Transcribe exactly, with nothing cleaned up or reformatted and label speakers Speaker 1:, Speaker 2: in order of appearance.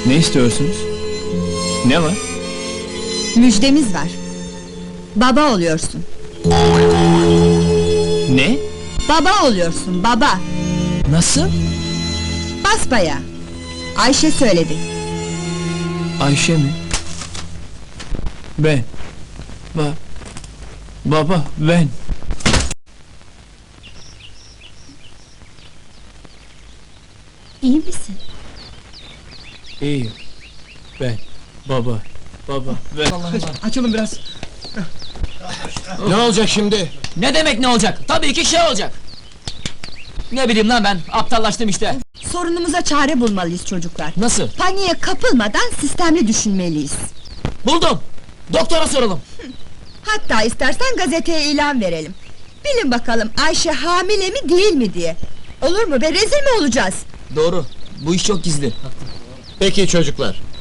Speaker 1: Ne istiyorsunuz? Ne var?
Speaker 2: Müjdemiz var. Baba oluyorsun.
Speaker 1: Ne?
Speaker 2: Baba oluyorsun, baba.
Speaker 1: Nasıl?
Speaker 2: Basbayağı. Ayşe söyledi.
Speaker 1: Ayşe mi? Ben. Ba Baba, ben.
Speaker 2: İyi misin?
Speaker 1: İyiyim. Ben. Baba. Baba, ben.
Speaker 3: Açılın biraz.
Speaker 4: Ne olacak şimdi?
Speaker 3: Ne demek ne olacak? Tabii ki şey olacak. Ne bileyim lan ben, aptallaştım işte.
Speaker 2: Sorunumuza çare bulmalıyız çocuklar.
Speaker 3: Nasıl?
Speaker 2: Paniğe kapılmadan sistemli düşünmeliyiz.
Speaker 3: Buldum! Doktora soralım.
Speaker 2: Hatta istersen gazeteye ilan verelim. Bilin bakalım Ayşe hamile mi değil mi diye. Olur mu be, rezil mi olacağız?
Speaker 3: Doğru, bu iş çok gizli.
Speaker 4: Peki çocuklar,